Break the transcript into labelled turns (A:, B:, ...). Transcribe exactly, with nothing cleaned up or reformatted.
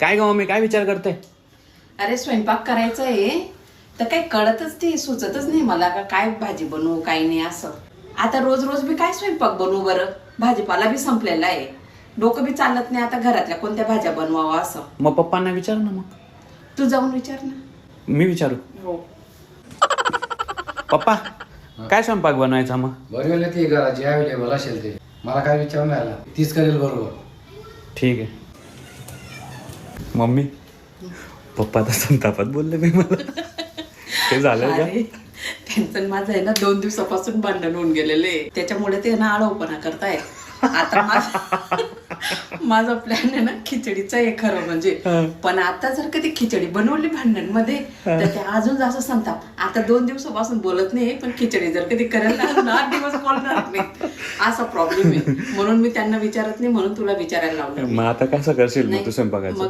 A: काय ग मम्मी, काय विचार करते?
B: अरे स्वयंपाक करायचा आहे तर काही कळतच ते सुचतच नाही मला का काय भाजी बनवू काय नाही असं. आता रोज रोज मी काय स्वयंपाक बनवू बरं? भाजीपाला बी संपलेला आहे, डोकं बी चालत नाही आता घरातल्या कोणत्या भाज्या बनवावं असं.
A: मग पप्पांना विचार ना. मग
B: तू जाऊन विचार ना.
A: मी विचारू?
B: हो.
A: पप्पा काय स्वयंपाक बनवायचा मग?
C: बरोबर ती करा जे अवेलेबल असेल ते. मला काय विचार नाही आला, तीच करेल बरोबर.
A: ठीक आहे. मम्मी पप्पा तर संतापात बोलले मी मला. ते झालं का?
B: अरे त्यांचं माझं आहे ना दोन दिवसापासून भांडण होऊन गेलेले आहे. त्याच्यामुळे ते ना आळवपणा करताय. आता माझा माझा प्लॅन आहे ना खिचडीचा आहे खरं म्हणजे. पण आता जर कधी खिचडी बनवली भांडण मध्ये तर ते अजून जास्त संताप. आता दोन दिवसापासून बोलत नाही, पण खिचडी जर कधी करायला ना आठ दिवस बोलणार नाही, असा प्रॉब्लेम आहे. म्हणून मी त्यांना विचारत नाही, म्हणून तुला विचारायला लावलं.
A: मग आता कसं करशील मग तू
B: नाही,
A: स्वयंपाकाचं?
B: मग